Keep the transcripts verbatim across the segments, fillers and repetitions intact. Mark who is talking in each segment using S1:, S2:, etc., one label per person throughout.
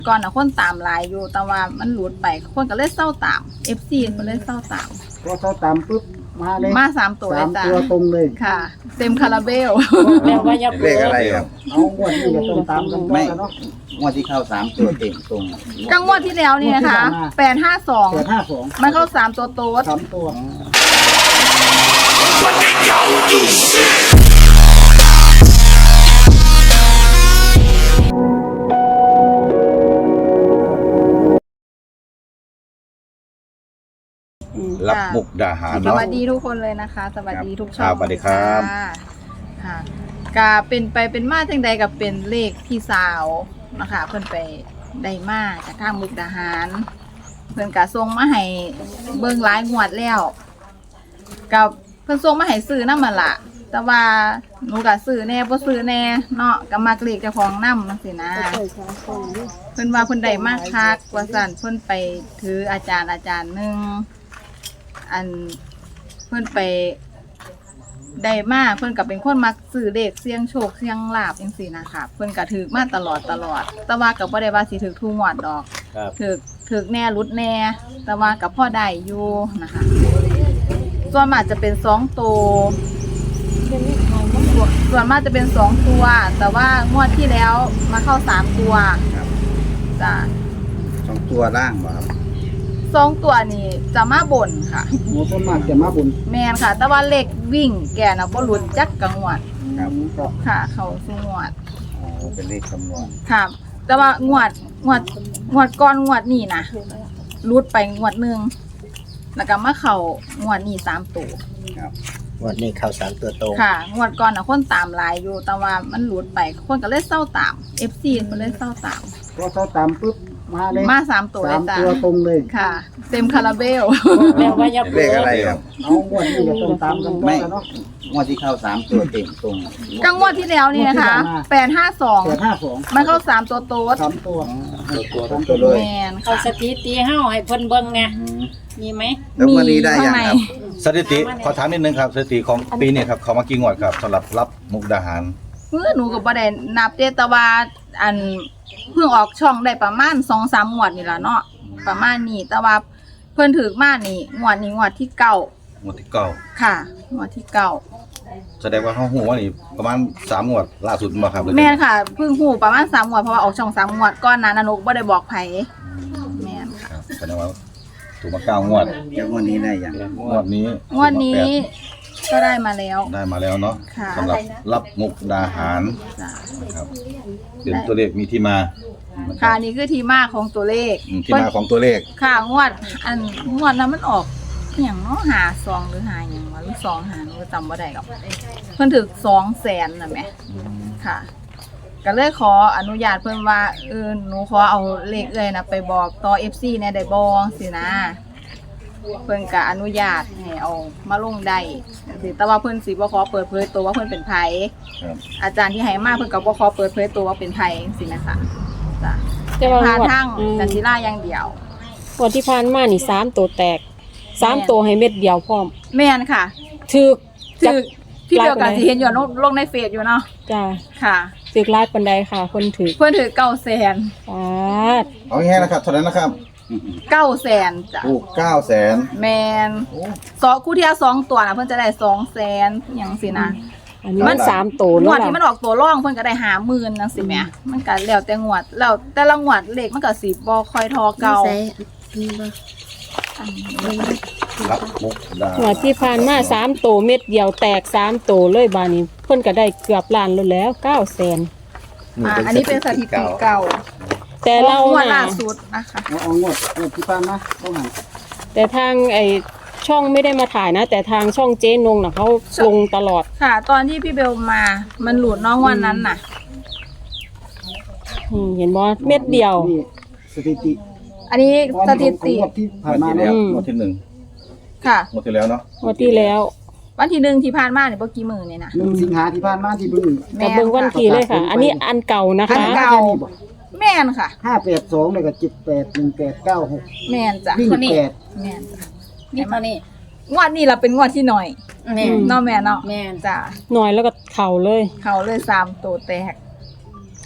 S1: ก่อนน่ะคนตามหลายอยู่แต่ว่ามันหลุดไปคนก็เลยเศร้าตาม เอฟ ซี ก็เลยเศร้าตาม
S2: พอเขาตามปุ๊บมาเลย
S1: มาสามตัวเลย
S2: สาม
S1: จ้ะ
S2: ตัวตรงเลย
S1: ค่ะ เต็มคาราเบล
S3: แม่ว่าอย่า
S4: เลขอะไรครับ
S2: เอางวดนี้ก็ต้องตามกันต่อกันเนาะ
S4: งวดที่เข้าสามตัวเต็มตรง
S1: กังวดที่แล้วนี่นะคะแปดห้าสอง
S2: แปดห้าสอง
S1: มันเข้าสามตัวโต๊ด
S2: สามตัว
S4: รับมุกดาหาร
S1: ส
S4: เนาะ
S1: วัสดีทุกคนเลยนะคะ สวัสดีทุกช่อง
S4: ครับสวัสดีครับ
S1: ะค่ะกาเป็นไปเป็นมาจังใดกับเป็นเลขพี่สาวนะคะเพิ่นไปได้มาจากทางมุกดาหาร เพิ่นกะส่งมาให้เบิ่งหลายงวดแล้วกับเพิ่นส่งมาให้ซื้อนำมันล่ะแต่ว่าหนูก็ซื้อแน่บ่ซื้อแน่เนาะก็มักเลขเจ้าของนำจังซี่นะเพิ่นว่าเพิ่นได้มากคักว่าซั่นเพิ่นไปถืออาจารย์อาจารย์หนึงอันเพิ่นไปได้มาเพิ่นก็เป็นคนมักซื้อเลขเสี่ยงโชคเสี่ยงลาภจังซี่นะคะเพิ่นก็ถือมาตลอดตลอดแต่ว่าก็บ่ได้ว่าสิถือทุกงวดดอก
S4: ครับ
S1: ถือถือแน่รุดแน่แต่ว่ากับพ่อได้อยู่นะคะส่วนมากจะเป็นสองตัวส่วนมากจะเป็นสองตัว แต่ว่างวดที่แล้วมาเข้าสามตัว
S4: ครับ
S1: จ้ะ
S4: สองตัวล่างบ่ครับ
S1: สองตัวนี่จะมาบ่นค่ะ
S2: หมดต้นมากจะมาบุญ
S1: แมนค่ะ แต่ว่าเลขวิ่งแกนะบ่หลุดจักกังวด
S4: ครับ
S2: ก็
S1: ค่ะ เขาสุงวด
S4: อ๋อเป็นเลขคำนวณ
S1: ค่ะ แต่ว่างวดงวดงวดก่อนงวดนี่นะรุดไปงวดหนึ่งแล้วก็มาเข้างวดนี้สามตัว
S4: ครับ
S3: วันนี้เข้าสามตัวตรง
S1: ค่ะงวดก่อนน่ะคนตามหลายอยู่แต่ว่ามันหลุดไปคนก็เลยเศร้าตาม เอฟ ซี ก็เลยเศร้าตาม
S2: พอเขาตามปุ๊บมาเลย
S1: มาสามตัวเล
S2: สาย ม
S1: จ้ะ
S2: ตัวตรงเลย
S1: ค่ะ เต็มคาราเบล
S3: แม่ว่าอย่า
S4: เป็นเลขอะไรครับ
S2: เอางวดนี้ก็ต้องตามกันต่อกันเนาะ
S4: งวดที่เข้าสามตัวเต็มตรง
S1: กังวดที่แล้วนี่นะคะแปดห้าสอง
S2: แปดห้าสอง
S1: มันเข้าสามตัวโต๊ด
S2: สามตัว
S4: ตัวตรงตัวเลย
S1: แมน
S3: เอา
S1: ค่ะ
S3: สถิติเฮาให้เพิ่นเบิ่งไง
S4: อืม
S3: มีไหม
S4: แล้ววันนี้ได้ยังครับ
S5: สถิติขอถามนิดนึงครับสถิติของปีนี้ครับเขามากี่งวดครับสำหรับรับมุกดาหาร
S1: เมื่อหนูกับประเด็นนับเดแต่ว่าอันเพิ่งออกช่องได้ประมาณสองสามงวดนี่ละเนาะประมาณนี้แต่ว่าเพิ่นถือมานี่งวดนี้งวดที่เก้าง
S5: วดที่เก้า
S1: ค่ะงวดที่เก้า
S5: แสดงว่าเขาหูว่านี่ประมาณสามงวดล่าสุดมาครับ
S1: แม่นค่ะเพิ่งหูประมาณสามงวดเพราะว่าออกช่องสามงวดก้อนนั้นนะหนุบ่ได้บอกไผแม่นค่ะ
S5: ครับแสดงว่าถูกมาเก้างวด
S4: แล้วงวดนี้ได้ยัง
S5: งวดนี้
S1: งวดนี้ก็ได้มาแล้ว
S5: ได้มาแล้วเนาะ
S1: ค่ะ
S5: สำหรับรับมุกดาหาร
S1: จ้ะ
S5: นะครับเป็นตัวเลขมีที่มานะค
S1: ค่ะ
S5: รับ
S1: นี่คือที่มาของตัวเลข
S5: อืมที่มาของตัวเลข
S1: ค่ะงวดอันงวดนั้นมันออกอหย่างเนาะหาซองหรือหาอหย่างวะหรือสองหาหนูจำบ่ได้หรอกเพิ่นถึกสองแสนน่ะแหมค่ะ ก็เลยขออนุญาตเพิ่นว่าเออหนูขอเอาเลขเอ้ยนะไปบอกต่อ เอฟ ซี แหน่ได้บ่สินะเพิ่นก็อนุญาตให้เอามาลงได้จังซี่แต่ว่าเพิ่นสิบ่ขอเปิดเผยตัวว่าเพิ่นเป็นไผ
S5: ครับ
S1: อาจารย์ที่ให้มาเพิ่นก็บ่ขอเปิดเผยตัวว่าเป็นไผจังซี่นะคะจ้ะ
S6: แต่ว่า
S1: พา
S6: หมวด
S1: ทาง
S6: อืม
S1: จันทิราอย่างเดียว
S6: หมวดที่ผ่านมานี่สามตัวแตกสามตัวให้เม็ดเดียวพร้อม
S1: แม่นค่ะ
S6: ถึก
S1: ถือพี่เบล
S6: ไล
S1: กับ
S6: น์ไปไหน
S1: สิเห็นอยู่ลงลงในเฟซอยู่เนาะ
S6: จ้า
S1: ค่ะ
S6: ถึกลายปันไดค่ะ คนถือ
S1: เพื่อนถือเก้าแสน
S6: ปาด
S5: เอาง่ายๆนะครับเท่านั้นนะครับ
S1: เก้าแสนจ้ะ
S5: ถูกเก้าแสน
S1: แมนสองคู่เทียสองตัวนะเพื่อนจะได้สองแสนอย่างสินะ
S6: อันนี้มันสามตัว
S1: ง
S6: แล้ว
S1: วดที่มัน
S6: ล่ะ
S1: ออกตัวร่องเพื่อนก็ได้หาหมื่นจังสิแหม่มันก็แล้วแต่งวดแล้วแต่ละงวดเลขมันก็สิบ่ค่อยทอเก่า
S5: รับมุกดา
S6: หมวดที่ผ่านมาสามตัวเม็ดเดียวแตกสามตัวเลยบานี้เพิ่นก็ได้เกือบล้านแล้วแล้วเก้าแสน
S1: อ่าอันนี้เป็นสถิติเก่า
S6: แต่เรา
S1: งวด
S6: น่ะ
S1: ล่าสุดนะคะ
S2: เอาเอางวดงวดที่ผ่านมาต้องหัน
S6: แต่ทางไอช่องไม่ได้มาถ่ายนะ แต่ทางช่องเจ๊นงน่ะเขาลงตลอด
S1: ค่ะ ตอนที่พี่เบลมามันหลุดเน้องวันนั้นน่ะ
S6: อืมเห็นบ่เม็ดเดียว
S2: นี่สถิติ
S1: อันนี้สถิติ
S2: ของงวดที่ผ่าน
S5: งวด
S2: มา
S5: ที่
S2: เนาะ
S5: แล้ว
S6: อืม
S5: งวดที่หนึ่ง
S1: ค่ะ
S5: งวดที่แล้วเนาะ
S6: งวันที่แล้ว
S1: วันที่หนึ่งที่ผ่านมาเนี่ยเมื่อกี้มือเนี่ยนะ
S2: หนึ่งสิงหาที่ผ่านมาที่บึ้ง
S6: กับเบิ่งวันที่เลยค่ะ อันนี้อันเก่านะ
S1: อั
S6: คะ
S1: นเก่า แม่นค่ะ
S2: ห้าแปดสองเลยกับเจ็ดแปดหนึ่งแปดเก้าหก
S1: แม่นจ้ะ
S2: วิ่งแปด
S1: แม่นจ้ะ
S3: นี่เท่านี้
S1: งวดนี้เราเป็นงวดที่หน่อย
S3: แม่น
S1: เนาะแม่เนาะ
S3: แม่น
S1: จ้ะ
S6: หน่อยแล้วก็เข่าเลย
S1: เขาเลยสามตัวแตก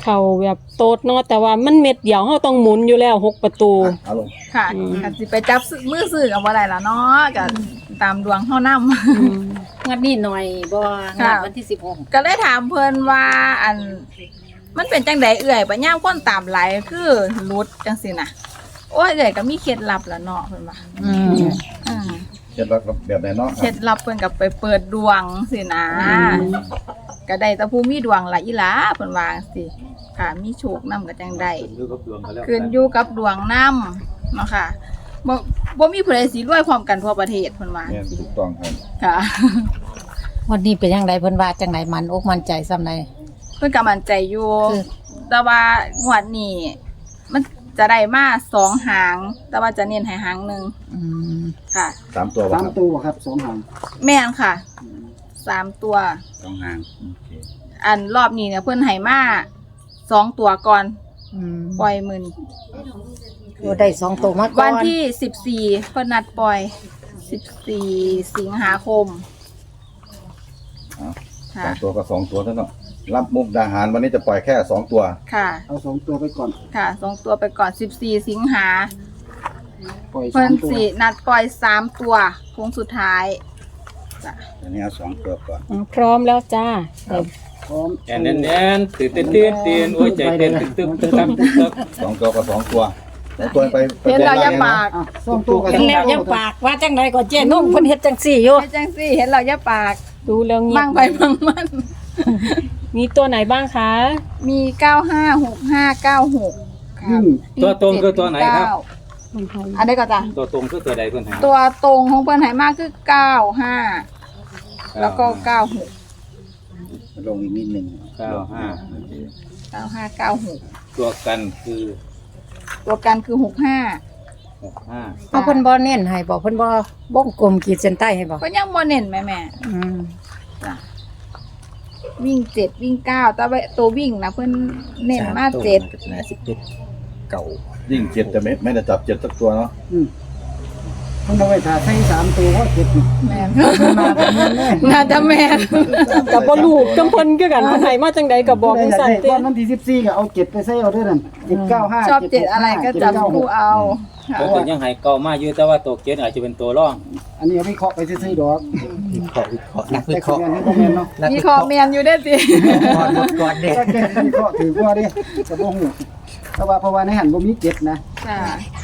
S6: เขาแบบโตดเนาะแต่ว่ามันเม็ดเดียวเฮาต้องหมุนอยู่แล้วหกประตู
S5: เอาลง
S1: ค่ะ
S6: อืม
S1: ก็สิไปจับซื้อมือซื้อกับบ่ได้ล่ะเนาะก็ตามดวงเฮานำ
S6: อืม
S3: งวดนี้หน่อยบ่งวดวันที่สิบหก
S1: ก็เลยถามเพิ่นว่าอันมันเป็นจังไดเอื่อยปัญญามคนตามหลายคือรุดจังซี่น่ะโอ้ยเอื่อยก็มีเคล็ดลับล่ะเนาะเพิ่นว่า
S3: อืม
S1: อืม
S5: เคล็ดลับแบบไหนเนาะ
S1: เคล็ดลับเพิ่นก็ไปเปิดดวงสินะก็ได้แต่ผู้มีดวงล่ะอีหลาเพิ่นว่าจังซี่ค่ะมีโชคนำก็จังได้ขึ้นอยู่กับดวงนำเนาะค่ะบ่บ่มีผู้ใดสิรวยพร้อมกันทั่วประเทศเพิ่นว่า
S5: เนี่ยถูกต้องครับ
S1: ค่ะ
S3: วันนี้เป็นยังไงเพิ่นว่าจังไดมันอกมันใจซำใด
S1: เพิ่นก็มั่นใจอยู่
S3: คือ
S1: แต่ว่างวดนี้มันจะได้มาสองหาง แต่ว่าจะเน้นให้หางหนึ่ง
S3: อืม
S1: ค่ะ
S5: สามตัวบ่
S2: สาม
S5: ครับ
S2: ตัวครับสองหาง
S1: แม่นค่ะสามตัว
S4: สองหาง
S5: โอเค
S1: อันรอบนี้เนี่ยเพิ่นให้มาสองตัวก่อน
S3: อืม
S1: ปล่อยมือน
S3: ตัวได้สองตัวมาก่อน
S1: วันที่สิบสี่เพิ่นนัดปล่อยสิบสี่สิงหาคม
S5: เอา
S1: ค่ะ
S5: สองตัวก็สองตัวเท่านั้นเนาะรับมุกดาหารวันนี้จะปล่อยแค่สองตัว
S1: ค่ะ
S2: เอาสองตัวไปก่อน
S1: ค่ะสองตัวไปก่อนสิบสี่สิงหา
S2: ปล่อย
S1: เพิ่
S2: สาน มตัว
S1: สินัดปล่อยสามตัวโค้งสุดท้ายจ้ะ
S4: อันนี้เอาสองตัวก่อน
S6: อ่าพร้อมแล้วจ้าเดี๋ยว
S2: พร้อม
S7: แอนแอนแอนตื่นเต้นตื่นเต้นโอ้ยใจเต้นตึกตึกตึกตึกตึกตึก
S5: สองตัวก็สองตัวสองตัวไปไป
S1: เห็นเราอย่าปาก
S2: อ่ะสองตัวกับ
S3: เห็
S2: ส
S3: น
S2: อง
S3: แล้ว
S2: ตัว
S3: ยังปากว่าจังไดก็เจ๊นุ่งเพิ่นเฮ็ดจังซี่อยู่
S1: ไอ้จังซี่เห็นเราอย่าปาก
S6: ดูแล้วเงีย
S1: มั่
S6: บ
S1: งไปมั่งมัน
S6: มีตัวไหนบ้างคะ
S1: มีเก้าห้าหกห้าเก้าหก
S2: ยิ่ง
S7: ตัวตรงคือตัวไหนครับ
S6: มันไทย
S1: อันนี้ก็จ้ะ
S7: ตัวตรงคือตัวใดเพิ่นหา
S1: ตัวตรงของเปิ้นไหมากคือเก้าห้าแล้วก็เก้าหก
S4: ลงอีกนิดหนึ่ง
S7: เก้าห้า
S1: เก้าห้าเก้าหก
S7: ตัวกันคือ
S1: ตัวกันคือหกห้า
S7: หกห้า
S3: เอาเพิ่นบ่เน้นให้บ่เพิ่นบ่วงกลมขีดเส้นใต้ให้บ่
S1: ก็ยังโมเน้นแม่แม่
S3: อืม
S1: จ้ะวิ่งเจ็ดวิ่งเก้าแต่ว่าตัววิ่งนะเพื่อนเน้นมาเจ็ด
S3: น่าสิเป็นเก่า
S5: ยิ่งเจ็ดจะไม่ไม่ได้จับเจ็ดสักตัวเนาะ
S2: อืมมันเอาไว้ถ่าใส่สามตัวเพราะเจ็ดนี่
S1: แม่น
S2: มาแบบนี้แน่
S1: น่าจะแม่น
S6: กับบ่ลูกกำเพิ่นคือกันเพิ่นให้มาจังใดก็บอกจังซั่น
S2: ได้
S6: เต้
S2: ตอนวันที่สิบสี่ก็เอาเจ็ดไปใส่เอาด้วยนั่นเจ็ดเก้าห้า
S1: ชอบเจ็ดอะไรก็จับคู่เอาค่ะ
S7: ตัวยังให้เก่ามาอยู่แต่ว่าตัวเกณฑ์อาจจะเป็นตัวร่อง
S2: อันนี้เอาไปเคาะไปซื้อๆดอก
S3: วิเคราะห์วิเคราะห์นักวิ
S2: แต่
S3: เค
S2: คือ
S3: ราะห์
S2: อันนี้ก็แม่นเนาะ
S1: มีคอแมนอยู่ได้สิ
S3: ก่อนหมดก่อนเด้
S2: แต่แกวิเคราะห์ถือว่าดิจะบ่ฮู้เพราะว่าเพราะว่าในหันบ่มีเจ็ดนะ
S1: ค่ะ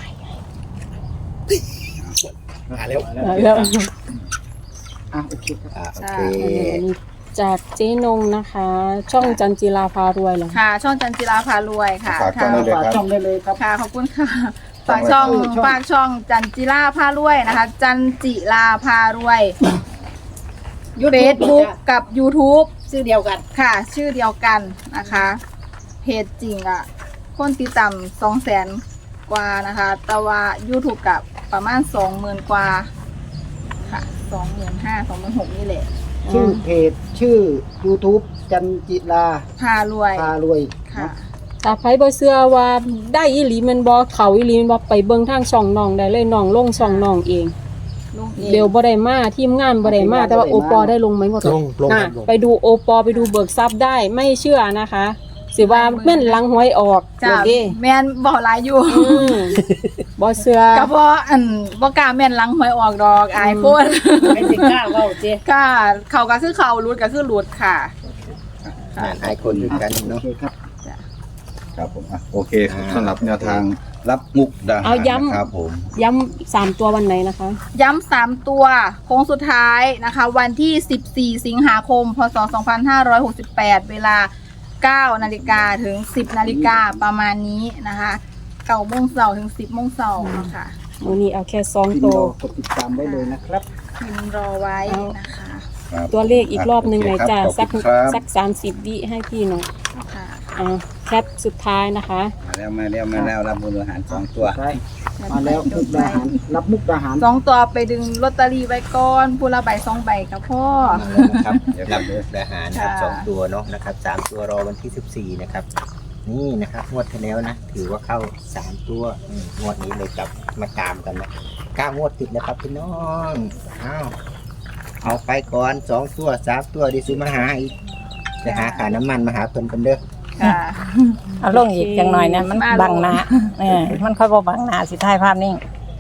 S3: มาแล้ว
S6: แล้ว
S2: อ่ะโอเคครับ
S3: อ่าโอ
S1: ค่ะ
S3: เค
S6: อันนี้จากเจ๊นงนะคะ ช่องจันจิลาพารวยเหรอ
S1: ค่ะ ช่องจันจิราพารวยค่ะ
S5: ฝากช่องได้เลย
S2: ฝาก
S5: ครับ
S2: ช่องได้เลยครับ
S1: ค่ะขอบคุณค่ะฝากช่อง
S2: ช่อง
S1: ฝากช่องจันจิราพารวยนะคะ จันจิราพารวยเฟซบุ๊กกับ YouTube
S3: ชื่อเดียวกัน
S1: ค่ะ ชื่อเดียวกันนะคะ เพจจริงอ่ะ คนติดตามสองแสนกว่านะคะ แต่ว่า YouTube กับประมาณสองหมื่นกว่า ค่ะสองหมื่นห้าสองหมื่นหกนี่แหละ
S2: ชื่อเพจชื่อ YouTube จันจิลา
S1: พารวย
S2: พารวย
S1: ค่ะ
S6: ถ้าไผบ่เชื่อว่าได้อีหลีแมันบ่เขาอีหลีแมันบ่ไปเบิ่งทางช่องน้องได้เลยน้องลงช่องน้องเอง
S1: ลุงเอง
S6: เบลบ่ได้มาทีมงานบ่ได้มาแต่ว่าโอปอได้ลงไหมบ่
S3: ลงลง
S6: น่ะ
S3: ลง
S6: ไปดูโอปอไปดูเบิกทรัพย์ได้ไม่เชื่อนะคะ สิว่าแม่นหลังหวยออก
S1: จ้า
S6: โอเค
S1: แมนบอกหลายอยู่
S6: อืมบ่เชื่อ
S1: ก็เพราะอันบ่กล้าแม่นหลังหวยออกดอกอายโพด
S3: ไม่สิกล้าเว้าเจ๊
S1: ค่ะเขาก็คือเขารุดก็คือรุดค่ะ
S3: อ่านหลายคนด้วยกัน
S2: โอ
S3: เนาะ
S2: เคครับ
S5: ครับผมอ่ะโอเคสำหรับแนวทางรับมุกดาหาร
S6: เอาย้ำ
S5: นะครับผม
S6: ย้ำสามตัววันไหนนะคะ
S1: ย้ำสามตัวโค้งสุดท้ายนะคะ วันที่สิบสี่สิงหาคมพศสองพันห้าร้อยหกสิบแปดเวลาเก้านาฬิกาถึงสิบนาฬิกาประมาณนี้นะคะเก้าโมงเช้าถึงสิบโมงเช้านะคะ
S6: มื้อนี้เอาแค่สอง
S2: พิมพ์
S6: ตัว
S2: รอกดติดตามไว้เลยนะครับ
S1: พิมพ์รอไว้นะคะ
S5: ครับ
S6: ตัวเลขอีกรอบหนึงหน่อยจ้ะ
S5: โอเค
S6: สัก
S5: ครับขอบคุณครับ
S6: สักสามสิบวิให้พี่หน่อย
S1: ค่ะ
S6: อ่าแคปสุดท้ายนะคะ
S4: มาแล้วมาแล้วมาแล้วรับบุญอาหารสองตัว
S2: ใช่มาแล้วมุกดาหารรับมุกดาหาร
S1: สองตัวไปดึงลอตเตอรี่ไว้ก่อนผู้ละใบสองใบกับพ่อ
S3: นะครับรับมุกดาหารนะครับ
S1: ค่ะ
S3: สองตัวเนาะนะครับสามตัวรอวันที่สิบสี่นะครับ นี่นะครับงวดที่แล้วนะถือว่าเข้าสามตัวอืมงวดนี้เลยกลับมาตามกันนะเก้างวดติดนะครับพี่น้องอ้าวเอาไปก่อนสองตัวสามตัวดิซื้อมาหาอีกจะหาขาน้ำมันมาหาเพิ่นกันเด้อ
S1: ค่ะ
S8: เอาลงอีกจังหน่อยนะมัน
S1: มาลง
S8: บังหน้าเออมันค่อยบ่บังหน้าสิถ่ายภาพนิ่ง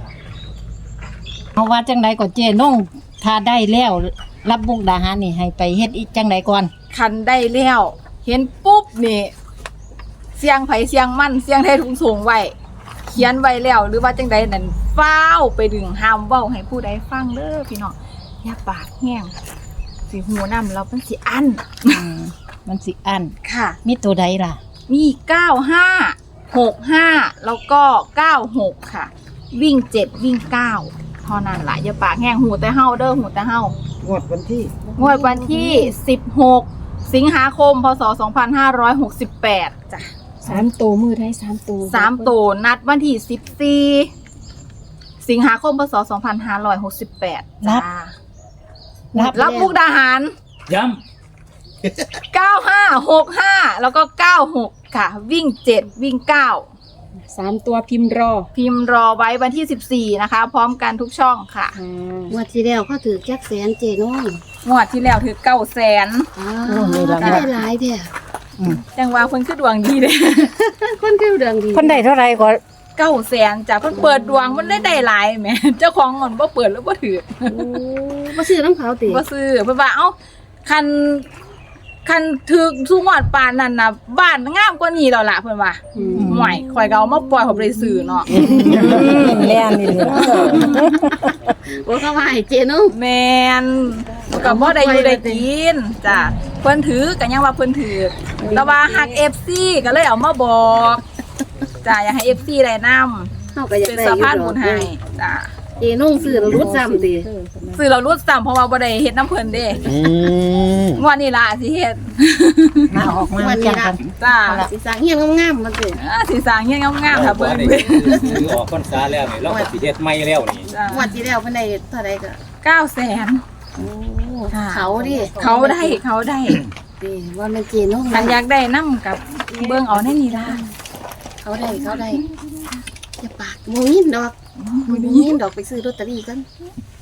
S8: เอาว่าจังไดก็เจน้องถ้าได้แล้วรับมุกดาหารนี่ให้ไปเฮ็ดอีกจังไดก่อน
S1: คันได้แล้วเห็นปุ๊บนี่เสียงไผเสียงมันเสียงไทยทุงสูงไว้เขียนไว้แล้วหรือว่าจังใดนั่นฟ้าวไปดึงห้ามเว้าให้ผู้ใดฟังเด้อพี่น้องอย่าปากแห้งสิหูนำเราเป็นสิอัน
S8: อืมมันสิอัน
S1: ค่ะ
S8: มีตัวใดล่ะ
S1: มีเก้าห้าหกห้าแล้วก็เก้าหกค่ะ วิ่งเจ็ดวิ่งเก้าเท่านั้นล่ะอย่าปากแห้งหูแต่เฮาเด้อหูแต่เฮาง
S2: วดวันที่
S1: งวดวันที่สิบหกสิงหาคมพศสองพันห้าร้อยหกสิบแปดจ้ะ
S6: สามตัวมือได้สามตัว
S1: สามตัวนัดวันที่สิบสี่สิงหาคมพศสองพันห้าร้อยหกสิบแปดจ้า
S8: รับ
S1: รับมุกดาหาร
S7: ย้
S1: เก้าห้าหกห้าแล้วก็เก้าหกค่ะ วิ่งเจ็ดวิ่งเก้า
S6: สามตัวพิมพ์รอ
S1: พิมพ์รอไว้วันที่สิบสี่นะคะ พร้อมกันทุกช่องค่ะ
S6: ค่ะ
S9: งวดที่แล้วเขาถือแจ็คแสนเจน้อง
S1: งวดที่แล้วถือเก้าแสน
S9: อ้า
S8: โอ้มี
S9: ว
S8: รางวัล
S9: ได้หลายเด้อ
S1: จังว่าเพิ่นคือดวงดีเลย
S9: คนคือเรื่องดี
S8: เพิ่นได้เท่าไหร่ก็
S1: เก้าแสนจ้ะเพิ่นเปิดดวงมันได้ได้หลายแหมเจ้าของเงินบ่เปิดแล้วบ่ถือ
S9: โอ้บ่ซื้อน้ำเขาติ
S1: บ่ซื้อเพิ่นว่าเอ้าคันคันถึกสุงวดปานนั้นน่ะบ้านงามกว่านี้แล้วล่ะเพิ่นว่าห่วยข่อยก็เอามาปล่อยเขาบ่ได้ซื้อเนาะ
S8: แม่นนี่เลย
S9: บ่เข้าว่าให้เจน้อง
S1: แม่นก็บ่ได้อยู่ได้กินจ้ะเพิ่นถือก็ยังว่าเพิ่นถือแต่ว่าฮัก เอฟ ซี ก็เลยเอามาบอกจ้ะอยากให้ เอฟ ซี ได้นำ
S9: เฮาก็อยาก
S1: เป็น
S9: ได้
S1: สะ
S9: อยู่
S1: พาน
S9: ด
S1: บุ
S9: อก
S1: ญให้จ้ะ
S9: เจน้องซื้อแล้วรุดซ้ำติ
S1: ซื้อเรารู้ซ้ำเพราะว่าบ่ได้เฮ็ดน้ำเพิ่นเด้
S4: อืม
S1: งวดนี้ล่ะสิเฮ็ด
S8: มาออกมาจังกัน
S1: จ้า
S9: สิสร้างเฮียนงามๆมันสิ
S1: อ่าสิสร้างเงี้ยงาม
S7: ำ
S1: ๆค่ะ
S7: บ่
S1: เบิ่ง
S7: ได้
S1: เบิ่ง
S7: ถือออกพรรษาแล้วนี่เราก็สิเฮ็ดใหม่แล้วนี่
S1: จ้ะ
S9: งวดที่แล้วเพิ่นได้เท่าใดก็
S1: เก้าแสน
S9: โอ้
S1: ค่ะ
S9: เขาดิ
S1: เขาได้เขาได้
S9: ติว่ามันเจน้อง
S1: อันอยากได้นํกับเบิ่งเอาในนี่ล่ะ
S9: เขาได้เขาได้อย่าปากบ่ยินดอกบ่ยินดอกไปซื้อลอตเตอรี่กัน